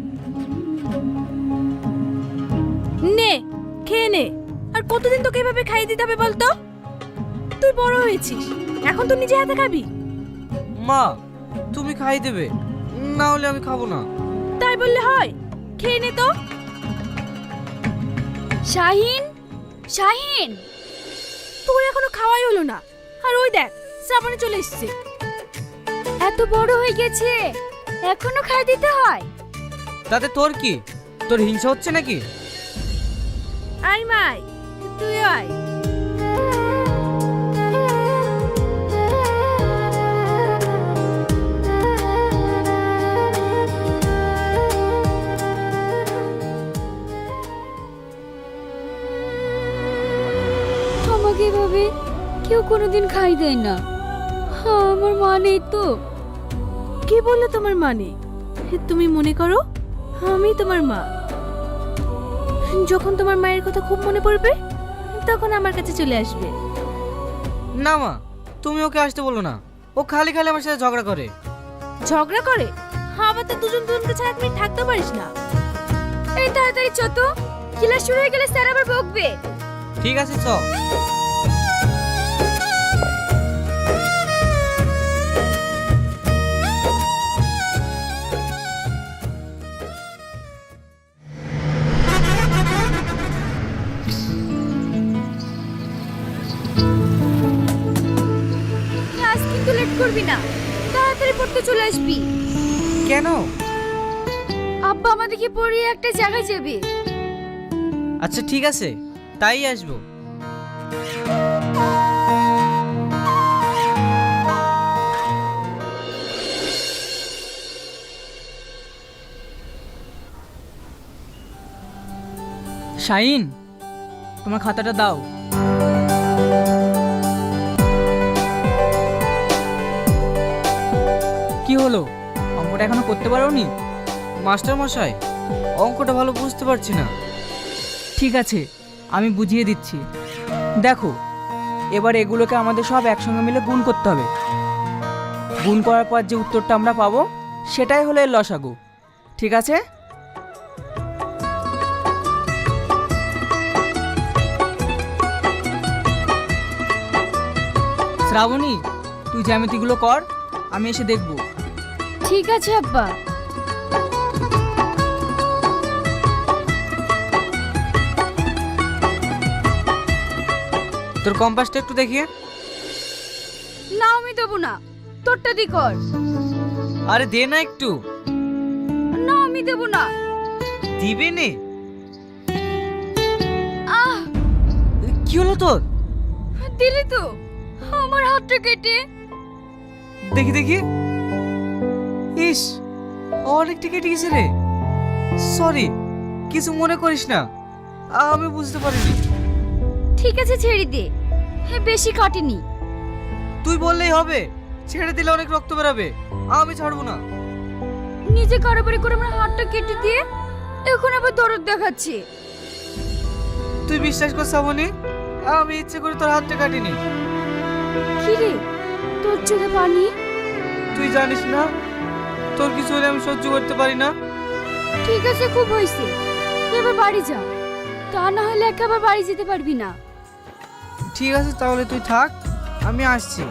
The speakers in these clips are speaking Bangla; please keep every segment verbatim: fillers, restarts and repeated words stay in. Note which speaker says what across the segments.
Speaker 1: নে খেয়ে নে। আর কতদিন তোকে এভাবে খাইয়ে দিতে হবে বলতো? তুই বড় হয়েছিস, এখন তো নিজে হাতে খাবি।
Speaker 2: মা তুমি খাই দেবে, না হলে আমি খাবো না।
Speaker 1: তাই বললে হয়? খেয়ে নে তো।
Speaker 3: শাহিন, শাহিন,
Speaker 1: তোর এখনো খাওয়াই হলো না, আর ওই দেখ শ্রাবণী চলে এসেছে।
Speaker 3: এত বড় হয়ে গেছে এখনো খাই দিতে হয়?
Speaker 2: তাতে তোর কি? তোর হিংসা হচ্ছে নাকি?
Speaker 1: আয় মাই, তুই আয়।
Speaker 3: আমাকে এভাবে কেউ কোনোদিন খাই দেয় না। হ্যাঁ, আমার মা নেই তো।
Speaker 1: কে বললো তোমার মানে? তুমি মনে করো আমি তোমার মা। যখন তোমার মায়ের কথা খুব মনে পড়বে তখন আমার কাছে চলে আসবে।
Speaker 2: না মা, তুমি ওকে আসতে বলো না। ও খালি খালি আমার সাথে ঝগড়া করে।
Speaker 1: ঝগড়া করে? আবার তো দুজন দুজনকে ছাড়া তুমি থাকতে পারিস না।
Speaker 3: এই তাড়াতাড়ি চ তো, ক্লাস শুরু হয়ে গেলে স্যার আবার বকবে।
Speaker 2: ঠিক আছে চ।
Speaker 3: ক্লাস কিন্তু লেট করবি না, তাড়াতাড়ি পড়তে চলে আসবি।
Speaker 2: কেন?
Speaker 3: আব্বা আমাদেরকে পড়িয়ে একটা জায়গায় যাবে।
Speaker 2: আচ্ছা ঠিক আছে, তাই আসবো।
Speaker 4: শাহিন, তোমার খাতাটা দাও। কি হলো, অঙ্কটা এখনো করতে পারোনি?
Speaker 2: মাস্টার মশাই, অঙ্কটা ভালো বুঝতে পারছি না।
Speaker 4: ঠিক আছে, আমি বুঝিয়ে দিচ্ছি। দেখো, এবার এগুলোকে আমাদের সব একসঙ্গে মিলে গুণ করতে হবে। গুণ করার পর যে উত্তরটা আমরা পাবো সেটাই হলো এর লসাগু। ঠিক আছে? শ্রাবণী, তুই জ্যামিতিগুলো কর, আমি এসে দেখব।
Speaker 3: ঠিক আছে আব্বা।
Speaker 2: তোর কম্পাসটা একটু দেখিয়ে।
Speaker 3: না আমি দেবো না, তোরটা দি কর।
Speaker 2: আরে দে না একটু।
Speaker 3: না আমি দেবো না।
Speaker 2: দিবে নে।
Speaker 3: আহ,
Speaker 2: কি হলো তোর?
Speaker 3: দিলি তো আমার হাতটা কেটে।
Speaker 2: দেখি দেখি। ইস, অনেকটা কেটে গেছে রে। সরি, কিছু মনে করিস না, আমি বুঝতে পারিনি।
Speaker 3: ঠিক আছে ছেড়ে দে, হ্যাঁ বেশি কাটেনি।
Speaker 2: তুই বললেই হবে, ছেড়ে দিলে অনেক রক্ত বেরাবে। আমি ছাড়বো না।
Speaker 3: নিজে কারবারি করে আমার হাতটা কেটে দিয়ে এখন আবার দরদ দেখাচ্ছে।
Speaker 2: তুই বিশ্বাস কর শ্রাবণী, আমি ইচ্ছে করে তোর হাতটা কাটিনি।
Speaker 3: কি রে, তোর চোখে পানি?
Speaker 2: তুই জানিস না, তোর কিছু হলে আমি সহ্য করতে পারি না।
Speaker 3: ঠিক আছে, খুব হয়েছে, এবার বাড়ি যা, তা না হলে একেবারে বাড়ি যেতে পারবি না।
Speaker 2: ঠিক আছে তাহলে তুই থাক, আমি আসছি।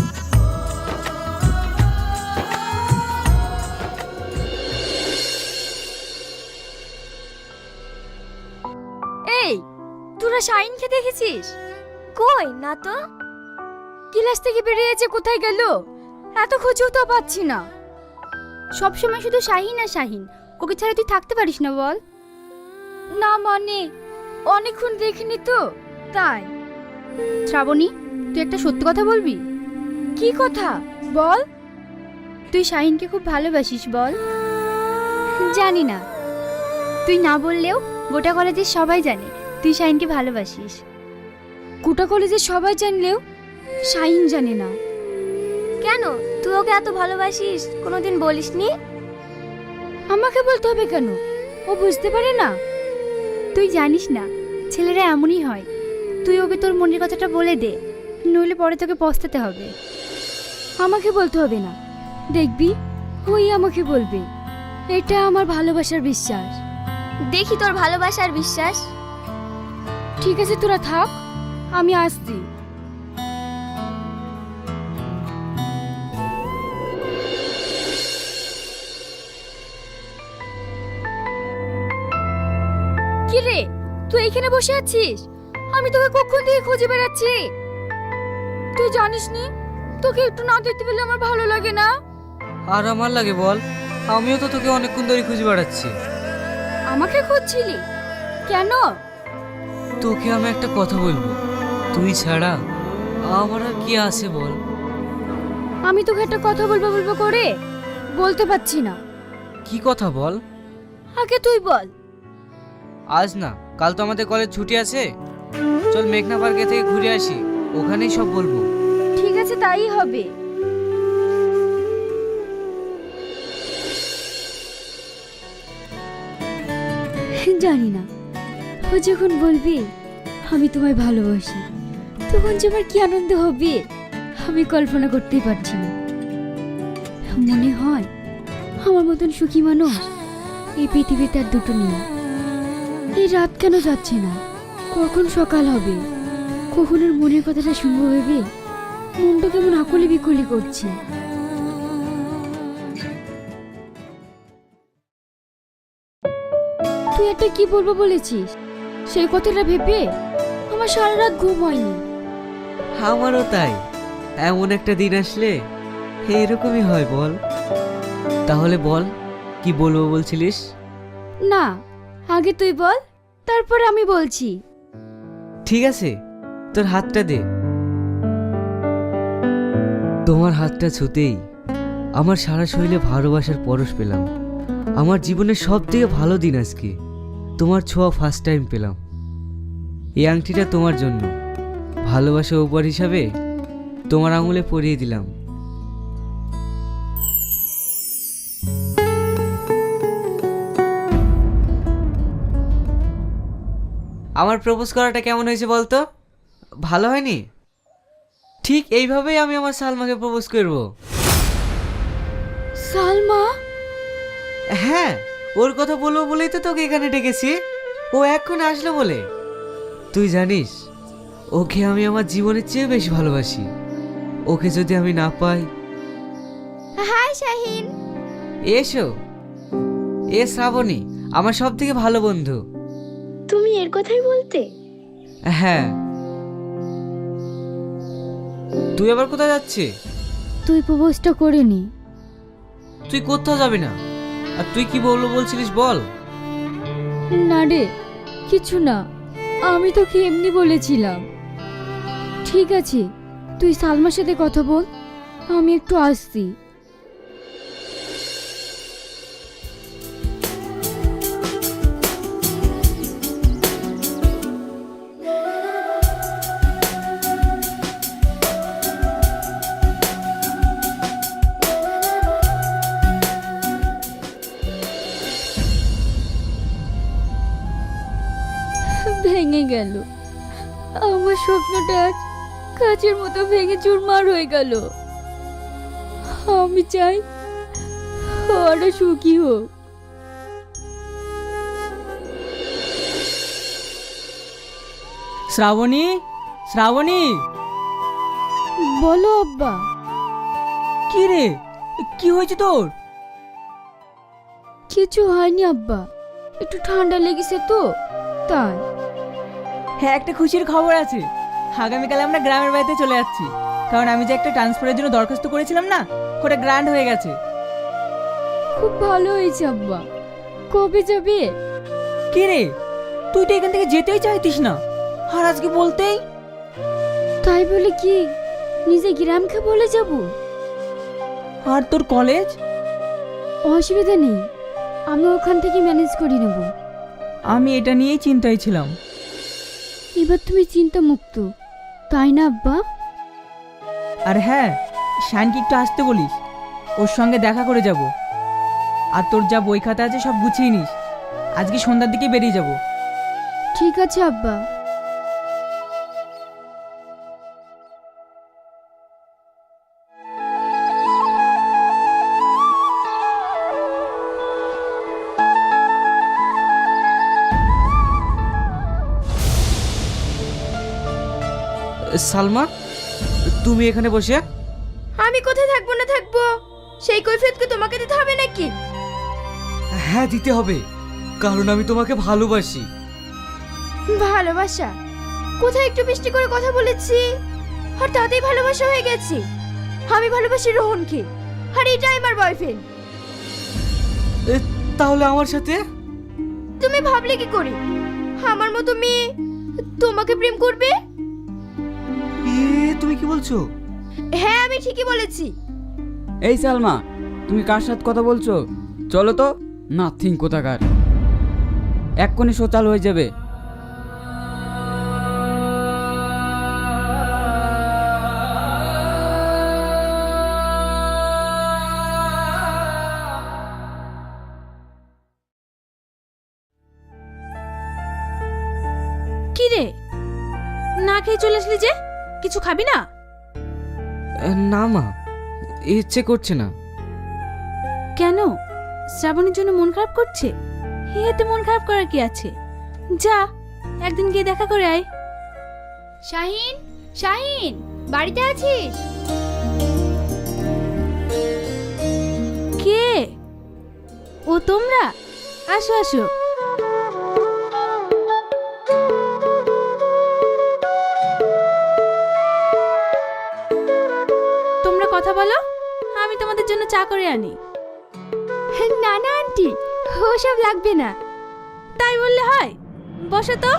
Speaker 3: এই, তোরা শাহিনকে দেখেছিস? কই না তো। ক্লাস থেকে বেরিয়েছে, কোথায় গেল? এত খুঁজেও তো পাচ্ছি না। সব সময় শুধু শাহিন আর শাহিন, ওকে ছাড়া তুই থাকতে পারিস না বল? না মানে অনেকক্ষণ দেখিনি তো তাই। শ্রাবণী, তুই একটা সত্যি কথা বলবি? কি কথা বল? তুই শাহিনকে খুব ভালোবাসিস বল? জানি না, তুই না বললেও গোটা কলেজের সবাই জানে তুই শাহিনকে ভালোবাসিস। গোটা কলেজের সবাই জানলেও শাহিন জানে না। কেন, তুই ওকে এত ভালোবাসিস কোনোদিন বলিসনি? আমাকে বলতে হবে কেন? ও বুঝতে পারে না? তুই জানিস না, ছেলেরা এমনই হয়। তুই ওকে তোর মনের কথাটা বলে দে, নইলে পরে তোকে পস্তাতে হবে। আমাকে বলতে হবে না, দেখবি ওই আমাকে বলবে। এটা আমার ভালোবাসার বিশ্বাস।
Speaker 5: দেখি তোর ভালোবাসার বিশ্বাস।
Speaker 3: ঠিক আছে তোরা থাক, আমি আসছি। কি রে, তুই এখানে বসে আছিস? আমি তোকে কখন থেকে খুঁজে বেড়াচ্ছি। তুই জানিস নি তোকে একটু না দেখতে পেলে আমার ভালো লাগে না।
Speaker 2: আর আমার লাগে বল, আমিও তো তোকে অনেকক্ষণ ধরে খুঁজে বেড়াচ্ছি।
Speaker 3: আমাকে খুঁজছিলি কেন?
Speaker 2: তোকে আমি একটা কথা বলবো, তুই ছাড়া আমার আর কি আছে বল।
Speaker 3: আমি তোকে একটা কথা বলবো বলবো করে বলতে পারছি না।
Speaker 2: কি কথা বল?
Speaker 3: আগে তুই বল।
Speaker 2: আজ না, কাল তো আমাদের কলেজ ছুটি আছে, চল মেঘনা পার্কে থেকে ঘুরে আসি, ওখানেই সব বলবো।
Speaker 3: ঠিক আছে, তাই হবে। জানি না ও যখন বলবি আমি তোমায় ভালোবাসি, তখন যে আমার কি আনন্দ হবে আমি কল্পনা করতেই পারছি না। মনে হয় আমার মতন সুখী মানুষ এই পৃথিবীতে আর দুটো নেই। এই রাত কেন যাচ্ছে না, কখন সকাল হবে, কখন আর মনের কথাটা শুনবো ভেবে মনটা কেমন আকুলি বিকুলি করছে। তুই একটা কি বলবো বলেছিস, সেই কথাটা ভেবে আমার সারা রাত ঘুম হয়নি।
Speaker 2: আমারও তাই, এমন একটা দিন আসলে এরকমই হয় বল। তাহলে বল, কি বলবো বলছিলিস?
Speaker 3: না, আগে তুই বল, তারপরে আমি বলছি।
Speaker 2: ঠিক আছে, তোর হাতটা দে। তোমার হাতটা ছুতেই আমার সারা শরীরে ভালোবাসার পরশ পেলাম। আমার জীবনের সব থেকে ভালো দিন আজকে, তোমার ছোঁয়া ফার্স্ট টাইম পেলাম। এই আংটিটা তোমার জন্য, ভালোবাসা উপহার হিসাবে তোমার আঙুলে পরিয়ে দিলাম। আমার প্রপোজ করাটা কেমন হয়েছে বলতো? ভালো হয়নি? ঠিক এইভাবেই আমি আমার সালমাকে প্রপোজ করব।
Speaker 3: সালমা?
Speaker 2: হ্যাঁ, ওর কথা বলবো বলেই তো তোকে এখানে ডেকেছি। ও এক্ষুনি আসলো বলে। তুই জানিস, ওকে আমি আমার জীবনের চেয়ে বেশি ভালোবাসি। ওকে যদি আমি না পাই।
Speaker 5: হাই শাহিন।
Speaker 2: এসো। এ শ্রাবণী, আমার সব থেকে ভালো বন্ধু।
Speaker 5: তুমি এর কথাই বলতে?
Speaker 2: হ্যাঁ। তুই আবার কোথায় যাচ্ছিস?
Speaker 3: তুই প্রপোজটা করে নি।
Speaker 2: তুই কোথাও যাবি না। আর তুই কি বলবো বলছিলিস বল।
Speaker 3: না রে, কিছু না, আমি তোকে এমনি বলেছিলাম। ঠিক আছে, তুই সালমার সাথে কথা বল, আমি একটু আসছি। ভেঙে গেল আমার স্বপ্নটা, আজ কাচের মতো ভেঙে চুরমার হয়ে গেল। আমি চাই ওরা সুখী হোক।
Speaker 4: শ্রাবণী, শ্রাবণী।
Speaker 3: বলো আব্বা।
Speaker 4: কি রে, কি হয়েছে তোর?
Speaker 3: কিছু হয়নি আব্বা, একটু ঠান্ডা লেগেছে তো তাই।
Speaker 4: হ্যাঁ, একটা খুশির খবর আছে। আগামীকাল আমরা গ্রামের বাড়িতে চলে যাচ্ছি, কারণ আমি যে একটা ট্রান্সফারের জন্য দরখাস্ত করেছিলাম না, ওটা গ্র্যান্ড হয়ে গেছে।
Speaker 3: খুব ভালো হয়েছে আব্বা। কবে যাবে?
Speaker 4: কি রে, তুই তো এখান থেকে যেতেই চাইতিস না, আর আজকে বলতেই।
Speaker 3: তাই বলে কি নিজে গ্রামকে বলে যাব?
Speaker 4: আর তোর কলেজ?
Speaker 3: অসুবিধা নেই, আমি ওখান থেকে ম্যানেজ করে নেব।
Speaker 4: আমি এটা নিয়েই চিন্তায় ছিলাম।
Speaker 3: এবার তুমি চিন্তা মুক্ত, তাই না আব্বা?
Speaker 4: আর হ্যাঁ, শানকে একটু আসতে বলিস, ওর সঙ্গে দেখা করে যাব। আর তোর যা বই খাতা আছে সব গুছিয়ে নিস, আজকে সন্ধ্যার দিকে বেরিয়ে যাব।
Speaker 3: ঠিক আছে আব্বা।
Speaker 2: সালমা, তুমি এখানে বসে?
Speaker 3: আমি কোথায় থাকবো না থাকবো সেই কৈফিয়তকে তোমাকে দিতে হবে নাকি?
Speaker 2: হ্যাঁ, দিতে হবে, কারণ আমি তোমাকে ভালোবাসি।
Speaker 3: ভালোবাসা? কোথায় একটু মিষ্টি করে কথা বলেছি আর তাতেই ভালোবাসা হয়ে গেছে? আমি ভালোবাসি রোহনকে, আর এটাই আমার বয়ফ্রেন্ড।
Speaker 2: এ, তাহলে আমার সাথে?
Speaker 3: তুমি ভাবলে কি করে আমার মতো মেয়ে তোমাকে প্রেম করবে?
Speaker 2: এ, তুমি কি বলছো?
Speaker 3: হ্যাঁ, আমি ঠিকই বলেছি।
Speaker 6: এই সালমা, তুমি কার সাথে কথা বলছো? চলো তো। নাথিং কোথাকার, এক্ষুনি শো চালু হয়ে যাবে।
Speaker 1: কি রে, না খেয়ে চলে আসলি যে? কিছু খাবি না?
Speaker 2: এ, না মা, ইচ্ছে করছে না।
Speaker 1: কেন? শ্রাবণের জন্য মন খারাপ করছে? এতে মন খারাপ করার কি আছে? যা, একদিন গিয়ে দেখা করে আয়।
Speaker 3: শাহিন, শাহিন, বাড়িতে আছিস?
Speaker 1: কে? ও তোমরা? আসো আসো। তোমরা কথা বলো, আমি তোমাদের জন্য চা করে আনি।
Speaker 3: না না আন্টি, ওসব লাগবে না।
Speaker 1: তাই বললে হয়? বসো তো।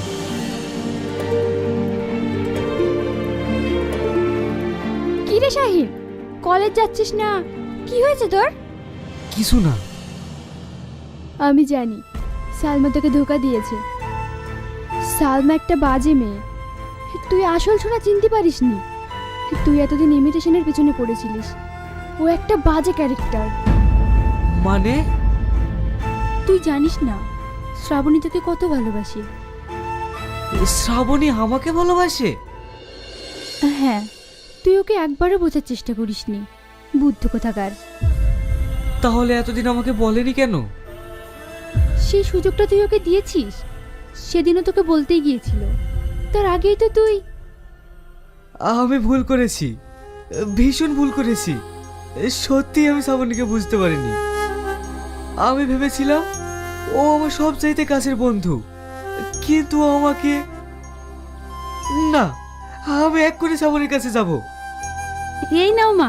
Speaker 3: কি রে শাহিন, কলেজ যাচ্ছিস না? কি হয়েছে তোর?
Speaker 2: কিছু না।
Speaker 3: আমি জানি সালমা তোকে ধোকা দিয়েছে। সালমা একটা বাজে মেয়ে, তুই আসল ছোড়া চিনতে পারিসনি। তুই এতদিন ইমিটেশনের পেছনে পড়েছিলিস। ও একটা বাজে ক্যারেক্টার।
Speaker 2: মানে?
Speaker 3: তুই জানিস না শ্রাবণী তোকে কত ভালোবাসে।
Speaker 2: শ্রাবণী আমাকে ভালোবাসে?
Speaker 3: হ্যাঁ, তুই ওকে একবারও বোঝার চেষ্টা করিসনি, বুদ্ধ কোথাকার।
Speaker 2: তাহলে এতদিন আমাকে বলেনি কেন?
Speaker 3: সেই সুযোগটা তুই ওকে দিয়েছিস। সেদিনও তোকে বলতেই গিয়েছিল, তার আগেই তো তুই।
Speaker 2: আমি ভুল করেছি, ভীষণ ভুল করেছি। সত্যি আমি শ্রাবণীকে বুঝতে পারিনি। আমি ভেবেছিলাম ও আমার সব চাইতে কাছের বন্ধু, কিন্তু ও আমাকে না। আমি এক করে শ্রাবণীর কাছে যাব।
Speaker 1: এই নাও মা।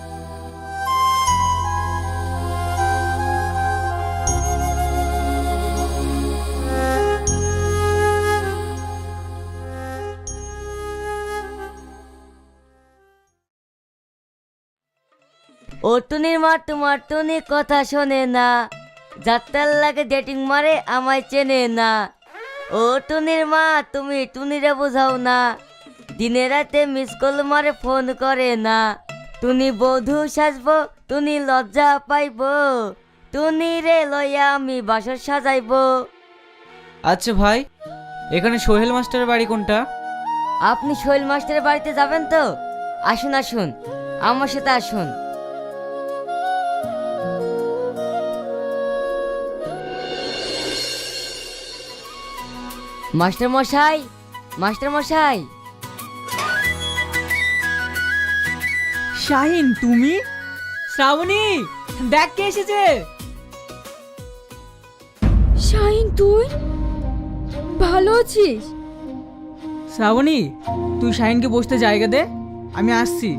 Speaker 7: ও টুনির মা তোমার টুনি কথা শোনে না, যাত্রার লাগে ডেটিং মারে আমায় চেনে না। ও টুনির মা তুমি টুনিরে বোঝাও না, দিনে রাতে মিস কল মারে ফোন করে না। টুনি বধূ সাজবো, টুনি লজ্জা পাইব, টুনি রে লইয়া আমি বাসর সাজাইবো।
Speaker 2: আচ্ছা ভাই, এখানে সোহেল মাস্টারের বাড়ি কোনটা?
Speaker 7: আপনি শৈল মাস্টারের বাড়িতে যাবেন তো? আসুন আসুন, আমার সাথে আসুন। মাস্টার মশাই, মাস্টার মশাই।
Speaker 4: শাহিন, তুমি? শ্রাবণী, দেখ কে এসেছে।
Speaker 3: শাহিন, তুই ভালো আছিস?
Speaker 4: শ্রাবণী, তুই শাহিনকে বসতে জায়গা দে, আমি আসছি।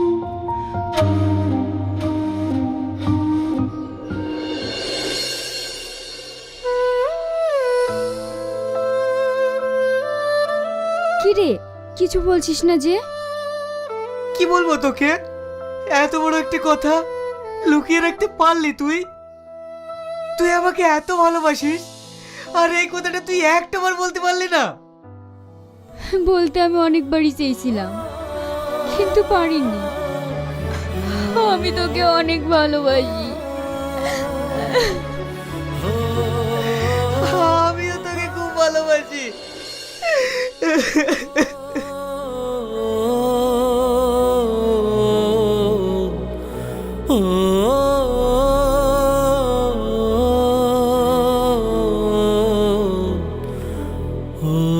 Speaker 3: কি রে, কিছু বলছিস না যে?
Speaker 2: কি বলবো তোকে? এত বড় একটা কথা লুকিয়ে রাখতে পারলি তুই? তুই আমাকে এত ভালোবাসিস, আর এই কথাটা তুই একটাবার বলতে পারলি না?
Speaker 3: বলতে আমি অনেকবারই চেয়েছিলাম, কিন্তু পারিনি। আমি তোকে অনেক ভালোবাসি।
Speaker 2: আমিও তোকে খুব ভালোবাসি।
Speaker 8: oh